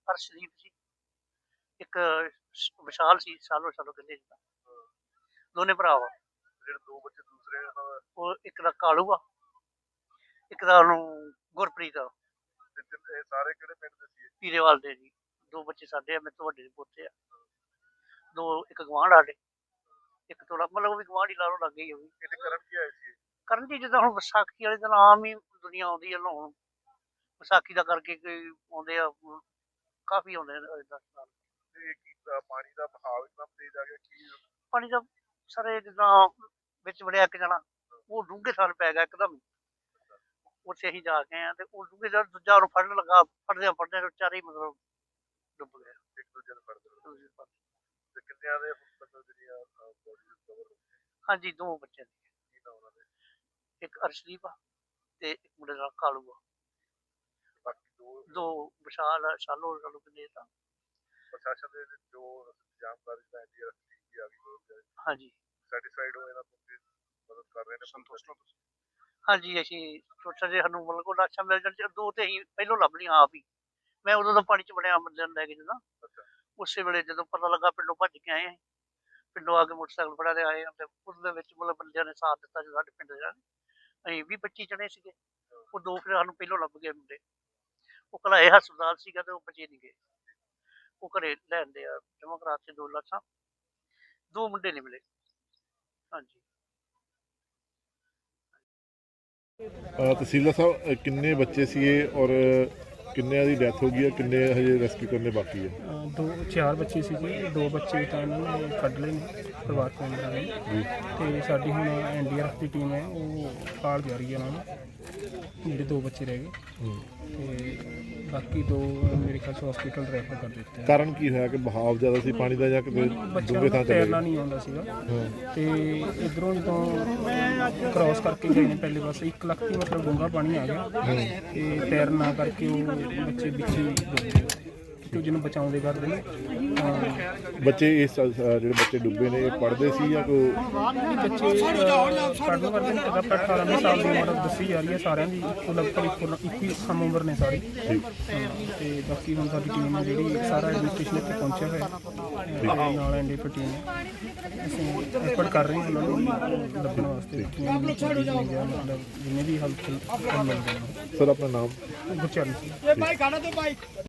ਅਰਸ਼ਦੀਪ ਸੀ, ਇੱਕ ਵਿਸ਼ਾਲ ਸੀ, ਸਾਲੋ ਕਹਿੰਦੇ ਜਿੱਦਾਂ। ਦੋਨੇ ਭਰਾ ਵਾ। ਜਿਹੜੇ ਦੋ ਬੱਚੇ ਦੂਸਰੇ ਉਹਨਾਂ ਦਾ ਉਹ ਇੱਕ ਦਾ ਕਾਲੂ ਆ, ਇੱਕ ਦਾ ਉਹਨੂੰ ਗੁਰਪ੍ਰੀਤ ਆ। ਇਹ ਸਾਰੇ ਕਿਹੜੇ ਪਿੰਡ ਦੇ ਸੀ? ਪੀਰੇਵਾਲ ਦੇ ਜੀ। ਦੋ ਬੱਚੇ ਸਾਡੇ ਆ, ਮੇਰੇ ਤੋਂ ਵੱਡੇ ਦੇ ਪੋਤੇ ਆ। ਦੋ ਇੱਕ ਗਵਾਂਢ ਸਾਡੇ, ਇੱਕ ਥੋੜਾ ਮਤਲਬ ਉਹ ਵੀ ਗਵਾਂਢ ਹੀ ਲਾ ਲਓ, ਲੱਗੇ ਹੀ ਉਹ ਵੀ। ਇਹਦੇ ਕਰਨ ਕੀ ਆਏ ਸੀ? ਕਰਨ ਜੀ ਜਿੱਦਾਂ ਹੁਣ ਵਿਸਾਖੀ ਵਾਲੇ ਦਿਨ ਆਮ ਹੀ ਦੁਨੀਆ ਆਉਂਦੀ ਹੈ ਨਹਾਉਣ, ਵਿਸਾਖੀ ਦਾ ਕਰਕੇ ਕੋਈ ਆਉਂਦੇ ਆ, ਕਾਫੀ ਆਉਂਦੇ ਨੇ ਏਦਾਂ ਨਾਲ। ਤੇ ਕੀ ਪਾਣੀ ਦਾ ਬਹਾਵ ਇੱਕਦਮ ਤੇਜ਼ ਆ ਗਿਆ ਕੀ? ਪਾਣੀ ਦਾ ਸਾਰੇ ਜਿੱਦਾਂ ਵਿੱਚ ਵੜਿਆ ਇੱਕ ਜਣਾ, ਉਹ ਡੂੰਘੇ ਥਾਲ ਪੈ ਗਿਆ ਇੱਕਦਮ। ਉੱਥੇ ਅਸੀਂ ਜਾ ਕੇ ਆਏ ਤੇ ਉਹ ਡੂੰਘੇ ਦਾ ਦੂਜਾ ਉਹਨੂੰ ਫੜਨ ਲੱਗਾ, ਫੜਦਿਆਂ ਵਿਚਾਰੇ ਹੀ ਮਤਲਬ ਡੁੱਬ ਗਿਆ। ਇੱਕ ਦੂਜੇ ਨੂੰ ਫੜਦੇ ਤੇ ਕਿੰਨਿਆਂ ਦੇ ਮਤਲਬ ਜਿਹੜੀਆਂ ਬੋਡੀ ਰਿਕਵਰ? ਹਾਂਜੀ, ਦੋ ਬੱਚੇ ਨੇ, ਕੀ ਨਾ ਉਹਨਾਂ ਦੇ? ਇੱਕ ਅਰਸ਼ਦੀਪ ਆ ਤੇ ਇੱਕ ਮੁੰਡੇ ਦਾ ਕਾਲੂ ਆ। ਬਾਕੀ ਦੋ ਵਿਸ਼ਾਲ ਸਾਲੋ ਕਹਿੰਦੇ ਤਾਂ। ਪ੍ਰਸ਼ਾਸਨ ਦੇ ਜੋ ਜਾਣਕਾਰੀ ਦਾ ਐਨਡੀਆਰਐਫ ਟੀਮ ਵੀ ਆ ਗਈ, ਹਾਂਜੀ, ਸੈਟੀਸਫਾਈਡ ਹੋ ਇਹਨਾਂ ਤੋਂ ਮਦਦ ਕਰ ਰਹੇ ਨੇ? ਸੰਤੁਸ਼ਟ ਹੋ ਤੁਸੀਂ? ਹਾਂਜੀ, ਅਸੀਂ ਸੋਚਿਆ ਜੇ ਸਾਨੂੰ ਮਤਲਬ ਕੋਈ ਲਾਸ਼ਾਂ ਮਿਲ ਜਾਣ, ਦੋ ਤੇ ਅਸੀਂ ਪਹਿਲੋਂ ਲੱਭ ਲਈਆਂ ਆਪ ਹੀ। ਮੈਂ ਉਦੋਂ ਦਾ ਪਾਣੀ 'ਚ ਵੜਿਆ ਬੰਦਿਆਂ ਨੂੰ ਲੈ ਕੇ ਜਦੋਂ, ਉਸੇ ਵੇਲੇ ਜਦੋਂ ਪਤਾ ਲੱਗਾ ਪਿੰਡੋਂ ਭੱਜ ਕੇ ਆਏ, ਪਿੰਡੋਂ ਆ ਕੇ ਮੋਟਰਸਾਈਕਲ ਫੜਾ ਦੇ ਆਏ ਤੇ ਉਹਦੇ ਵਿੱਚ ਮਤਲਬ ਬੰਦਿਆਂ ਨੇ ਸਾਥ ਦਿੱਤਾ ਜੋ ਸਾਡੇ ਪਿੰਡ ਦੇ। ਅਸੀਂ 20-25 ਜਣੇ ਸੀਗੇ, ਉਹ ਦੋ ਫਿਰ ਸਾਨੂੰ ਪਹਿਲੋਂ ਲੱਭ ਗਏ ਮੁੰਡੇ। ਉਹ ਘਲਾਏ ਹਸਪਤਾਲ ਸੀਗਾ ਤੇ ਉਹ ਬਚੇ ਨਹੀਂ ਗਏ, ਉਹ ਘਰੇ ਲੈਂਦੇ ਆ ਜਮ੍ਹਾਂ ਕਰਾ ਕੇ 2 ਲਾਸ਼ਾਂ, ਦੋ ਮੁੰਡੇ ਨਹੀਂ ਮਿਲੇ। ਹਾਂਜੀ। ਤਹਿਸੀਲਦਾਰ ਸਾਹਿਬ, ਕਿੰਨੇ ਬੱਚੇ ਸੀਗੇ ਔਰ ਕਿੰਨਿਆਂ ਦੀ ਡੈਥ ਹੋ ਗਈ ਹੈ, ਕਿੰਨੇ ਹਜੇ ਰੈਸਕਿਊ ਕਰਨੇ ਬਾਕੀ ਹੈ? 4 ਬੱਚੇ ਸੀਗੇ, 2 ਬੱਚੇ ਤਾਂ ਇਹਨਾਂ ਨੇ ਕੱਢ ਲਏ ਨੇ ਪਰਿਵਾਰਕ ਮੈਂਬਰਾਂ ਨੇ, ਤੇ ਸਾਡੀ ਹੁਣ ਐਨਡੀਆਰਐਫ ਦੀ ਟੀਮ ਹੈ ਉਹ ਭਾਲ ਜਾ ਰਹੀ ਹੈ ਉਹਨਾਂ ਨੂੰ, ਜਿਹੜੇ 2 ਬੱਚੇ ਰਹਿ ਗਏ ਤੇ ਬਾਕੀ 2 ਮੇਰੇ ਖਿਆਲ 'ਚ ਹਸਪੀਟਲ ਰੈਫਰ ਕਰ ਦਿੱਤੇ। ਕਾਰਨ ਕੀ ਹੋਇਆ ਕਿ ਬਹਾਵ ਜ਼ਿਆਦਾ ਸੀ ਪਾਣੀ ਦਾ ਜਾਂ ਕਿਤੇ ਡੂੰਘੇ ਥਾਂ ਤੈਰਨਾ ਨਹੀਂ ਆਉਂਦਾ ਸੀਗਾ ਤੇ ਇੱਧਰੋਂ ਜਦੋਂ ਕ੍ਰਾਸ ਕਰਕੇ ਗਏ ਨੇ ਪਹਿਲੇ ਪਾਸੇ 1 ਲੱਖ ਦੀ ਮਤਲਬ ਡੂੰਘਾ ਪਾਣੀ ਆ ਗਿਆ ਤੇ ਤੈਰਨਾ ਕਰਕੇ ਉਹ ਬੱਚੇ ਵਿੱਚ ਹੀ ਡੁੱਬ ਗਏ ਤੇ ਜਿਹਨੂੰ ਬਚਾਉਂਦੇ ਕਰਦੇ ਨੇ। ਬੱਚੇ ਇਸ ਜਿਹੜੇ ਬੱਚੇ ਡੁੱਬੇ ਨੇ ਇਹ ਪੜ੍ਹਦੇ ਸੀ ਜਾਂ ਕੋਈ? ਬੱਚੇ ਪੜ੍ਹਨ ਕਰਦੇ ਨੇ, 18 ਸਾਲ ਦੀ ਉਮਰ ਦੱਸੀ ਜਾ ਰਹੀ ਹੈ ਸਾਰਿਆਂ ਦੀ, ਲਗਭਗ ਇੱਕ ਹੀ ਸਮ ਉਮਰ ਨੇ ਸਾਰੀ। ਤੇ ਬਾਕੀ ਹੁਣ ਸਾਡੀ ਟੀਮ ਹੈ ਜਿਹੜੀ ਸਾਰਾ ਐਡਮਿਨਿਸਟ੍ਰੇਸ਼ਨ ਇੱਥੇ ਪਹੁੰਚਿਆ ਹੋਇਆ ਨਾਲ ਐਨਡੀਆਰਐਫ ਟੀਮ ਹੈ, ਅਸੀਂ ਐਫਰਟ ਕਰ ਰਹੇ ਹਾਂ ਉਹਨਾਂ ਨੂੰ ਲੱਭਣ ਵਾਸਤੇ ਮਤਲਬ ਜਿੰਨੇ ਵੀ ਹੈਲਪ ਮਿਲ ਜਾਣ। ਸਰ ਆਪਣਾ ਨਾਮ? ਗੁਰਚਰਨ ਸਿੰਘ।